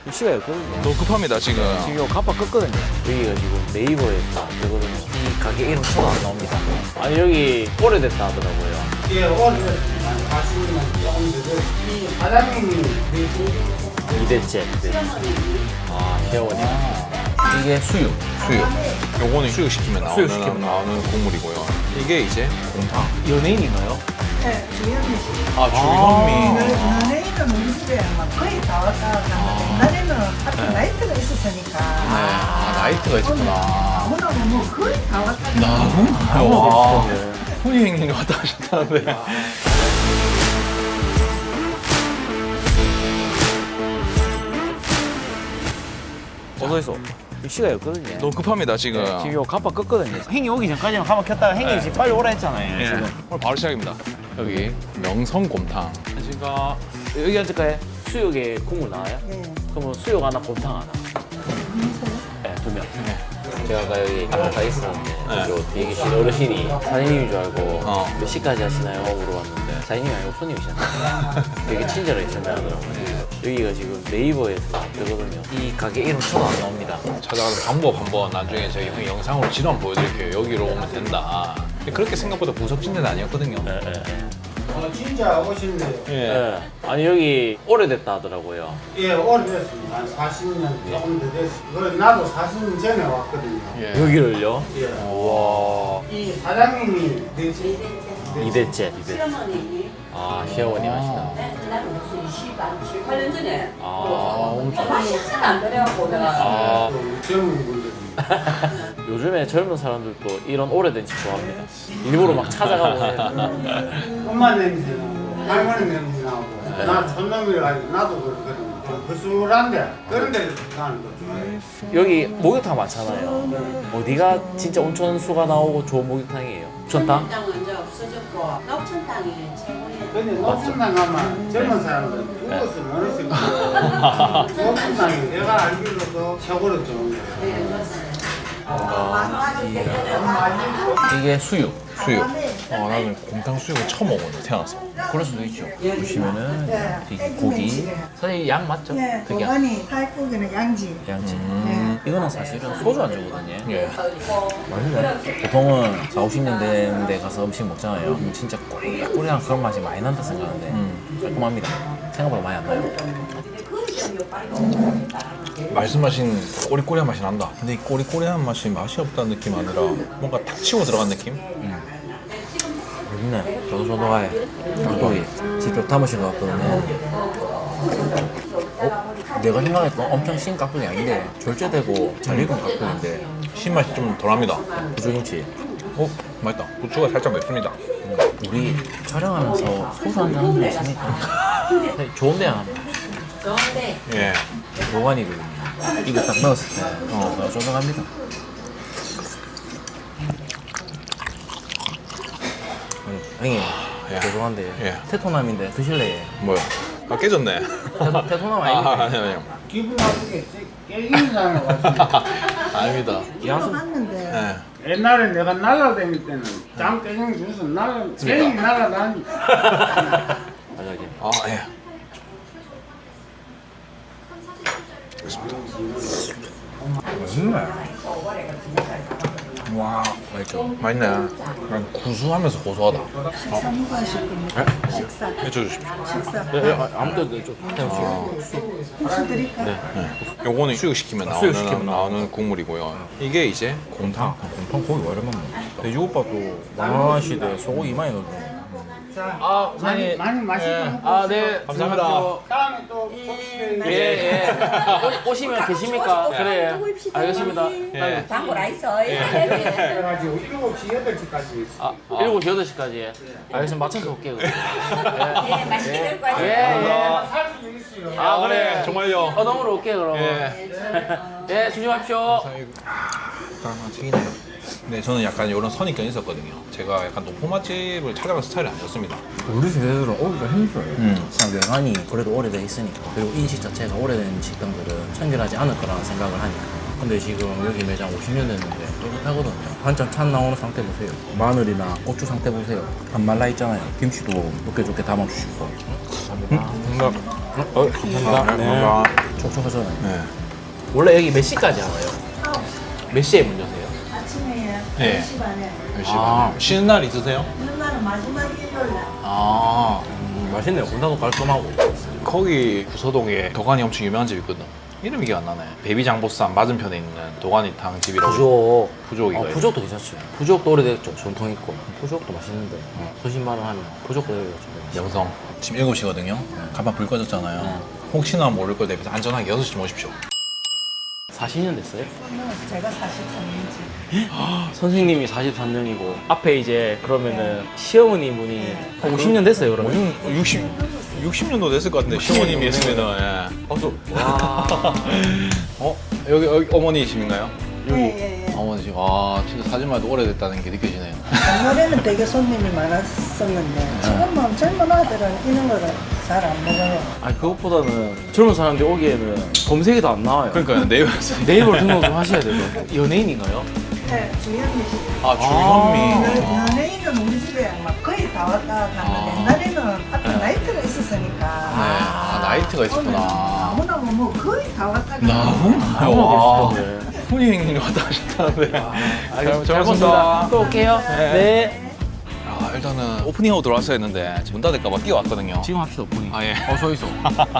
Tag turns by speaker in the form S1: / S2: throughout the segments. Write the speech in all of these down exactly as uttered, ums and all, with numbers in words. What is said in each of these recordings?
S1: 위치가 있거든요.
S2: 너무 급합니다 지금.
S1: 지금 요 갑바 껐거든요. 여기가 지금 네이버에서 되거든요. 이 가게 이름 쳐도 안 나옵니다. 아니 여기 오래됐다 하더라고요.
S3: 예, 오늘 가시면 조금 늦어. 이 사장님이
S1: 이대째. 아 회원이. 이게 수육.
S2: 수육. 요거는 수육 시키면 나오는
S1: 수육 시키면
S2: 나오는 국물이고요. 이게 이제 곰탕.
S1: 연예인인가요?
S4: 네, 주현미 씨.
S2: 아 주현미.
S4: 연예인은 우리 집에 아마 거의 다 왔다 갔는데 옛날에는 하필 나이트가 있었으니까
S2: 아 나이트가 있었구나.
S4: 아무나 뭐 거의 다 왔다 갔다
S2: 나무? 와. 손이 형님 왔다 하셨다는데.
S1: 어서 있어. 위치가 있거든요.
S2: 너무 급합니다 지금.
S1: 네, 지금 요 갑바 껐거든요. 행이 오기 전까지만 가만 켰다가 행이 지금 빨리 오라 했잖아요.
S2: 예.
S1: 지금.
S2: 오늘 바로 시작입니다. 여기 명성곰탕. 제가
S1: 여기 앉을까요? 수육에 국물 나와요?
S4: 예.
S1: 그러면 수육 하나, 곰탕 하나. 네, 두 명. 제가 아까 여기 아까 있었는데
S2: 네.
S1: 저 뒤에 계신 어르신이 사장님인 줄 알고
S2: 어.
S1: 몇 시까지 하시나요? 물어봤는데 사장님이 아니고 손님이셨나요? 되게 친절하게 설명하더라고요. 여기가 지금 네이버에서 뜨거든요. 이 가게 이름 쳐도 안 나옵니다.
S2: 찾아가는 방법 한번 나중에 저희 형이 영상으로 지도 한번 보여드릴게요. 여기로 오면 된다. 근데 그렇게 생각보다 구석진 데는 아니었거든요.
S1: 네, 네.
S3: 어, 진짜 오신대요.
S2: 예.
S1: 네. 아니 여기 오래됐다 하더라고요.
S3: 예, 오래됐습니다. 한 사십 년 조금 더 됐어요. 그래, 나도 사십 년 전에 왔거든요.
S2: 예.
S1: 여기를요?
S3: 예.
S1: 와
S3: 이 사장님이 되지?
S1: 이대째. 이대.
S5: 시어머니.
S1: 아 시어머니 하시다.
S5: 나는 무슨 이십팔 년 전에.
S1: 아 엄청.
S5: 맛이 안 그래갖고 내가.
S1: 아
S3: 젊은 분들이.
S1: 요즘에 젊은 사람들도 이런 오래된 집 좋아합니다. 일부러 막 찾아가고 해요.
S3: 엄마 냄새 나고, 할머니 냄새 나고, 나 촌놈이라 가지고 나도 그렇거든요. 좀 거슬한데, 그런 데를 가는 거 좋아해요.
S1: 여기 목욕탕 많잖아요. 어디가 진짜 온천수가 나오고 좋은 목욕탕이에요? 온천탕?
S5: 땅은 이제 없어졌고 녹천 땅이 최고예요.
S3: 근데 녹천당 가면 젊은 사람들은 죽어서 못 있을 거예요. 녹천 땅이 내가 알기로도 최고로 좋은 거예요.
S5: 네, 맞아요.
S1: 이게 수육.
S2: 수육. 어, 나는 곰탕 수육을 처음 먹었는데 태어나서.
S1: 그럴 수도 있죠. 보시면은 이게 고기. 사실 양 맞죠?
S4: 네,
S1: 그게
S4: 고관이 살코기는 양지.
S1: 양지.
S2: 음.
S1: 이거는 사실은 소주 안주거든요.
S2: 예.
S1: 맛있네. 보통은 사오십 년대인데 가서 음식 먹잖아요. 그럼 진짜 꼬리꼬리한 그런 맛이 많이 난다 생각하는데
S2: 음.
S1: 깔끔합니다. 생각보다 많이 안 나요.
S2: 말씀하신 꼬리꼬리한 맛이 난다. 근데 이 꼬리꼬리한 맛이 맛이 없다는 느낌 아니라 뭔가 탁 치고 들어간 느낌?
S1: 맛있네. 조도조도하게. 고기 직접 담으신 것 같거든요. 어? 내가 생각했던 엄청 신 깍두기 아닌데 절제되고 잘 익은 깍두기인데
S2: 신맛이 좀 덜합니다.
S1: 부조김치.
S2: 어? 맛있다. 고추가 살짝 맵습니다.
S1: 우리 촬영하면서 소주 한잔 한잔 했으니까 좋은데 안 합니다.
S5: 좋은데.
S2: 예.
S1: 보관이거든요. 이거 딱 넣었을 때 어, 조정합니다. 형님,
S2: 예.
S1: 죄송한데
S2: 예.
S1: 테토남인데 드실래요?
S2: 뭐야? 아 깨졌네.
S1: 테토, 테토남
S2: 아,
S1: 아닙니까?
S2: 아니 아니.
S3: 기분 나쁘게 깨기는 사람을 가지고.
S2: 아닙니다.
S1: 야수
S4: 봤는데
S2: 예.
S3: 옛날에 내가 날라다닐 때는 장 깨갱 주서 날라, 깨갱이 날라다니.
S1: 맞아요.
S2: 아 예. 와
S1: 맛있죠?
S2: 맛있네. 그냥 구수하면서 고소하다.
S4: 식사 누가 하실 겁니까? 식사.
S2: 해줘주십시오.
S4: 식사.
S1: 네, 네, 아, 아무 때도 좀 해주시고.
S4: 국수 드릴까?
S2: 요거는 수육 시키면 나오는
S1: 수육 시키면
S2: 나오는 국물이고요. 이게 이제 곰탕.
S1: 곰탕 고기 오랜만에 돼지국밥도 만원시대 소고기 이만이 넣어주네.
S3: 자,
S1: 아,
S3: 많이, 많이 마시고.
S1: 아, 네.
S2: 감사합니다.
S3: 다음에 또 봅시다.
S1: 예, 예. 오, 오시면 계십니까? 그래. 알겠습니다.
S2: 예.
S5: 광고라 있어. 예.
S3: 그래가지고 일곱 시, 여덟 시까지 있어.
S1: 아, 일곱 시, 여덟 시까지. 알겠습니다. 맞춰서 올게요. 그럼.
S5: 예, 맛있게 될 거예요.
S1: 예, 예.
S3: 살수 있어요.
S1: 아, 그래.
S2: 정말요.
S1: 어, 너무로 올게요, 그럼.
S2: 예.
S1: 예, 조심하십시오.
S2: 튀기네요. 네, 저는 약간 이런 선입견이 있었거든요. 제가 약간 높은 맛집을 찾아가는 스타일이 아니었습니다.
S1: 우리 세대들은 오기가 힘들어요.
S2: 음.
S1: 그냥 외관이 그래도 오래돼 있으니까. 그리고 인식 자체가 오래된 식당들은 청결하지 않을 거라는 생각을 하니까. 근데 지금 여기 매장 오십 년 됐는데 깨끗하거든요. 한참 찬 나오는 상태 보세요. 마늘이나 고추 상태 보세요. 안 말라 있잖아요. 김치도 좋게 좋게 담아주시고.
S2: 뭔가
S1: 어, 감사합니다. 네. 촉촉하잖아요.
S2: 네.
S1: 원래 여기 몇 시까지 하나요? 몇 시에 문 여세요?
S4: 아침에
S2: 네.
S4: 열 시 반에.
S2: 열심히.
S1: 아.
S2: 쉬는 날 있으세요?
S4: 이런 날은 마지막 일요일 날.
S2: 아.
S1: 음, 맛있네요. 문화도 깔끔하고.
S2: 거기 부서동에 도가니 엄청 유명한 집 있거든. 이름이 기억 안 나네. 베비장보쌈 맞은편에 있는 도가니탕 집이라고.
S1: 부족.
S2: 부족이가
S1: 어, 부족도 괜찮죠. 부족도 오래됐죠. 전통 있고. 부족도 맛있는데. 어, 소신발언 하면 부족도 오래됐죠.
S2: 명성. 지금 일곱 시거든요. 간판 불 꺼졌잖아요. 혹시나 모를 걸 대비해서 안전하게 여섯 시쯤 오십시오.
S1: 사십 년 됐어요?
S4: 제가 사십삼 년째.
S1: 선생님이 사십삼 년이고 앞에 이제 그러면은 시어머니 분이 한 오십 년 됐어요 그러면?
S2: 육십, 육십 년도 됐을 것 같은데 시어머님이 했으면은 예.
S1: 어서 와
S2: 어? 여기, 여기 어머니이신가요?
S4: 예, 예, 예.
S2: 어머니시. 와 진짜 사진만 해도 오래됐다는 게 느껴지네요.
S4: 옛날에는 되게 손님이 많았었는데 지금은 젊은 아들은 이런 거를 잘 안 먹어요.
S1: 아니 그것보다는 젊은 사람들이 오기에는 검색이 다 안 나와요.
S2: 그러니까 네이버에서.
S1: 네이버 등록 좀 하셔야 돼요. 연예인인가요?
S4: 네, 주현미 씨.
S2: 아 주현미.
S4: 연- 연예인은 우리 집에 막 거의 다 왔다 갔는데
S2: 아.
S4: 옛날에는 앞에 나이트가 있었으니까
S2: 아 나이트가 있었구나.
S4: 아무나 뭐 거의 다 왔다 갔다.
S2: 나무나? 와 훈이 형님 왔다 하셨다는데.
S1: 알겠습니다.
S2: 잘
S1: 잘
S2: 먹었습니다.
S1: 먹었습니다. 또 올게요.
S2: 네.
S1: 네.
S2: 아 일단은 오프닝하고 들어왔어야 했는데 문 닫을까봐 뛰어왔거든요.
S1: 지금 합시다 오프닝.
S2: 아 예.
S1: 어 서 있어.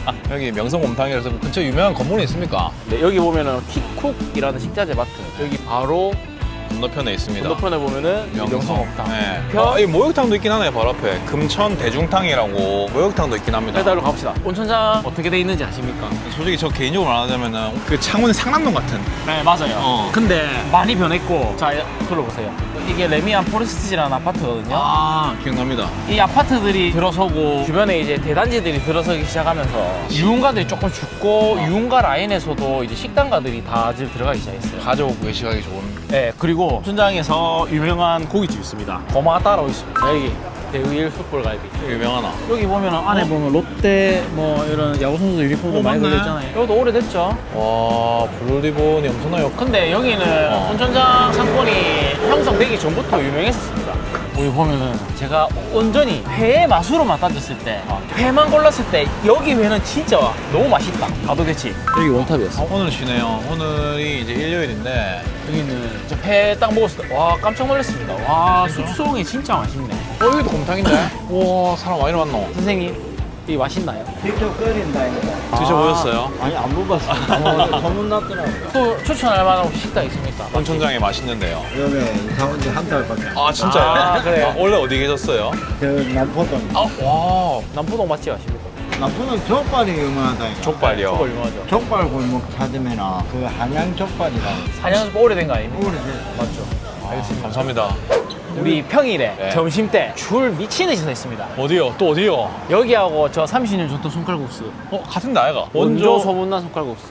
S2: 여기 명성곰탕이라서 근처에 유명한 건물이 있습니까?
S1: 네, 여기 보면은 킥쿡이라는 식자재 마트. 여기 바로
S2: 건너편에 있습니다.
S1: 건너편에 보면은 명성옥탕.
S2: 네.
S1: 편-
S2: 아, 이 목욕탕도 있긴 하네요, 바로 앞에. 금천 대중탕이라고 목욕탕도 있긴 합니다.
S1: 배달로 가봅시다. 온천장 어떻게 돼 있는지 아십니까?
S2: 솔직히 저 개인적으로 말하자면은 그 창원의 상남동 같은.
S1: 네 맞아요.
S2: 어.
S1: 근데 많이 변했고 자 들어보세요. 이게 레미안 포레스트지라는 아파트거든요.
S2: 아, 기억납니다.
S1: 이 아파트들이 들어서고 주변에 이제 대단지들이 들어서기 시작하면서 유흥가들이 조금 죽고 유흥가 라인에서도 이제 식당가들이 다 지금 들어가기 시작했어요.
S2: 가족 외식하기 좋은.
S1: 네 그리고 천장에서 유명한 고깃집 있습니다. 고마가 따로 있습니다. 여기 대우일 숯불갈비.
S2: 유명하나?
S1: 여기 보면 안에 보면 롯데 뭐 이런 야구 선수 유니폼도
S2: 어,
S1: 많이
S2: 맞네.
S1: 걸려있잖아요. 이것도 오래됐죠.
S2: 와, 블루리본이 엄청나요.
S1: 근데 여기는
S2: 어.
S1: 온천장 상권이 형성되기 전부터 유명했었습니다. 여기 보면은 제가 온전히 회의 맛으로만 따졌을 때 회만 골랐을 때 여기 회는 진짜 너무 맛있다. 가도대치. 여기 원탑이었어.
S2: 아, 오늘 쉬네요. 오늘이 이제 일요일인데.
S1: 여기는 회 딱 먹었을 때 와 깜짝 놀랐습니다. 와 숙성이 진짜 맛있네.
S2: 어, 여기도 곰탕인데? 와, 사람 많이 왔노.
S1: 선생님 이게 맛있나요?
S4: 직접 끓인다니까.
S2: 드셔보셨어요?
S1: 아니 안 먹어봤어요. 소문났더라고요. 또 추천할 만한 식당 있습니까?
S2: 온천장이 맛있는데요.
S6: 여름에 이사 온 지 한 달밖에 안
S2: 아, 진짜요?
S1: 아, 그래요?
S2: 아, 원래 어디 계셨어요?
S6: 그 남포동.
S2: 아, 와.
S1: 남포동 맛집 아십니까?
S6: 남포동 족발이 유명하다니까.
S2: 족발이요.
S1: 저거 유명하죠.
S6: 족발 골목 찾으면 그 한양 족발이라.
S1: 한양에서 오래된 거 아닙니까?
S6: 오래돼.
S1: 맞죠.
S2: 알겠습니다. 감사합니다.
S1: 우리 평일에
S2: 네.
S1: 점심 때 줄 미친 듯이 서 있습니다.
S2: 어디요? 또 어디요?
S1: 여기하고 저 삼십 년 전통 손칼국수.
S2: 어, 같은 나이가.
S1: 원조 소문난 손칼국수.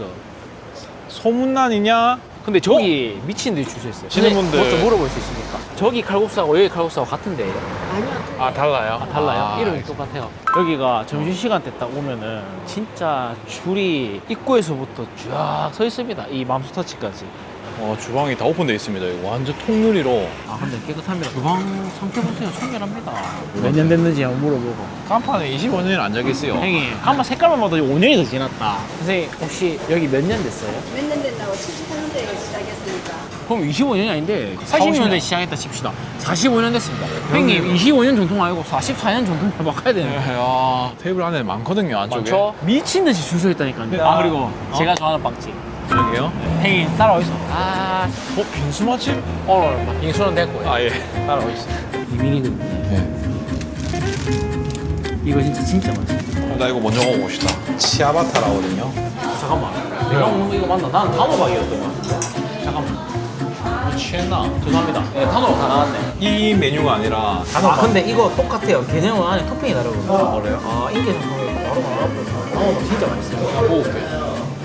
S2: 소문난이냐?
S1: 근데 저기 미친 듯이 줄 서 있어요.
S2: 치는
S1: 근데
S2: 분들.
S1: 뭐좀 물어볼 수 있습니까? 저기 칼국수하고 여기 칼국수하고 같은데요?
S2: 아, 달라요?
S1: 아, 달라요?
S2: 아,
S1: 이름이 똑같아요. 여기가 점심시간 때 딱 오면은 진짜 줄이 입구에서부터 쫙 서 있습니다. 이 맘스터치까지.
S2: 어, 주방이 다 오픈되어 있습니다. 이거 완전 통유리로.
S1: 아 근데 깨끗합니다. 주방 상태 보세요. 청결합니다. 몇 년 됐는지 한번 물어보고.
S2: 간판에 이십오 년이 앉아있어요.
S1: 형님 한번 색깔만 봐도 오 년이 더 지났다. 선생님 혹시 여기 몇 년 됐어요?
S5: 몇 년 된다고 칠십사 년대에 시작했으니까.
S1: 그럼 이십오 년이 아닌데 사십 년대 시작했다 칩시다. 사십오 년 됐습니다. 형님 이십오 년 전통 아니고 사십사 년 전통 바꿔야 되는 거예요.
S2: 야, 테이블 안에 많거든요, 안쪽에.
S1: 맞죠? 미친 듯이 줄 서 있다니까요. 아 그리고 제가 좋아하는 빵집.
S2: 여기요?
S1: 형님 따라와 있어. 아
S2: 어, 빈수 맛집?
S1: 오늘 인수는 됐고요.
S2: 아, 예.
S1: 따라와 있어. 비밀이거든요.
S2: 네.
S1: 이거 진짜 진짜 맛있어.
S2: 나 이거 먼저 먹어봅시다. 치아바타라거든요.
S1: 잠깐만. 내가 먹는 거 이거 맞나? 나는 단호박이었던 거 같은데. 잠깐만.
S2: 취했나?
S1: 죄송합니다. 네, 단호박 다 나왔네.
S2: 이 메뉴가 아니라
S1: 아 근데 이거 똑같아요. 개념은 안에 토핑이 다르거든요. 아 그래요? 아 인기 상품이 바로 나왔거든요. 단호박 진짜 맛있어요.
S2: 먹어볼게.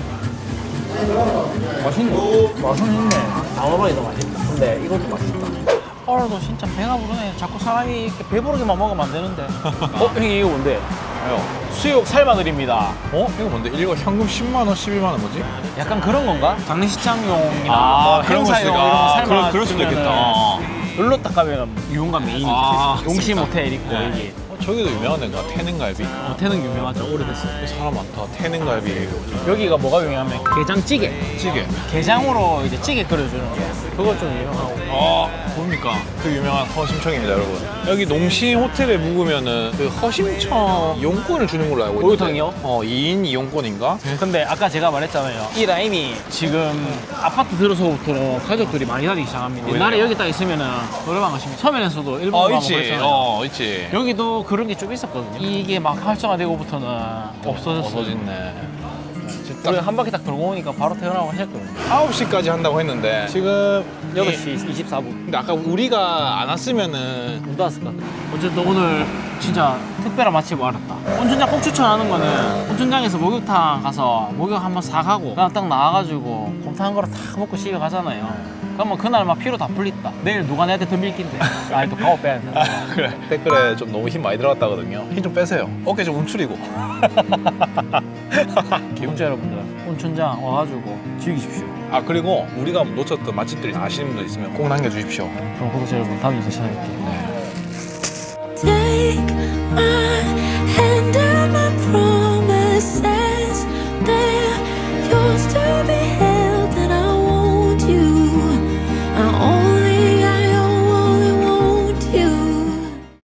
S1: 맛있네. 맛은 있네. 단호박이 더 맛있다. 근데 이것도 맛있다. 오늘도 진짜 배가 부르네. 자꾸 사람이 이렇게 배부르게만 먹으면 안 되는데. 어? 형님 이거 뭔데?
S2: 아요.
S1: 수육 삶아드립니다.
S2: 어? 이거 뭔데? 이거 현금 십만 원, 십일만 원 뭐지?
S1: 약간 그런 건가? 장례식장용이나
S2: 아,
S1: 뭐
S2: 그런 거
S1: 행사용
S2: 있으니까.
S1: 이런 거
S2: 아,
S1: 삶아
S2: 그럴- 그럴 수도 있겠다. 어.
S1: 여기로 딱 가면 유흥가 메인이
S2: 아,
S1: 용심
S2: 있겠다.
S1: 호텔 있고
S2: 네.
S1: 여기
S2: 저기도 유명한 데가 태능갈비.
S7: 어, 태능 유명하죠. 오래됐어요.
S2: 사람 많다. 태능갈비.
S7: 여기가 뭐가 유명하면 게장찌개.
S2: 찌개.
S7: 게장으로 이제 찌개 끓여주는 게 그거 좀 유명하고.
S2: 아, 뭡니까? 그 유명한 허심청입니다, 여러분. 여기 농시 호텔에 묵으면은 그 허심청 이용권을 주는 걸로 알고 있는데.
S7: 목욕탕이요?
S2: 어, 이 인 이용권인가?
S7: 근데 아까 제가 말했잖아요. 이 라인이 지금 아파트 들어서부터 가족들이 많이 다니기 시작합니다. 옛날에 여기 딱 있으면은 노래방 가시면 서면에서도 일본
S2: 어,
S7: 가면
S2: 있지.
S7: 그랬잖아요.
S2: 어, 있지.
S7: 여기도 그런 게 좀 있었거든요. 이게 막 활성화되고부터는 없어졌어요.
S2: 없어졌네.
S7: 우리 한 바퀴 딱 돌고 오니까 바로 퇴근하고 하셨거든요.
S2: 아홉 시까지 한다고 했는데 지금
S7: 여덟 시 이십사 분.
S2: 근데 아까 우리가 안 왔으면은
S7: 못 왔을 것 같아요. 어쨌든 오늘 진짜 특별한 맛집을 알았다. 온천장 꼭 추천하는 거는 온천장에서 목욕탕 가서 목욕 한번 싹 하고 그냥 딱 나와가지고 곰탕 한 그릇 탁 먹고 집에 가잖아요. 그러면 그날 막 피로 다 풀렸다. 내일 누가 내한테 더 밀긴데. 아니 또 가오 빼야 된다.
S2: 그래 댓글에 좀 너무 힘 많이 들어갔다거든요. 힘 좀 빼세요. 어깨 좀 움츠리고.
S7: 구독자 여러분들 온천장 와가지고 즐기십시오.
S2: 아 그리고 우리가 놓쳤던 맛집들이 아시는 분들 있으면 꼭 남겨주십시오.
S7: 그럼 구독자 여러분 다음 영상에 찾아뵐게요.
S2: 네.
S8: Take my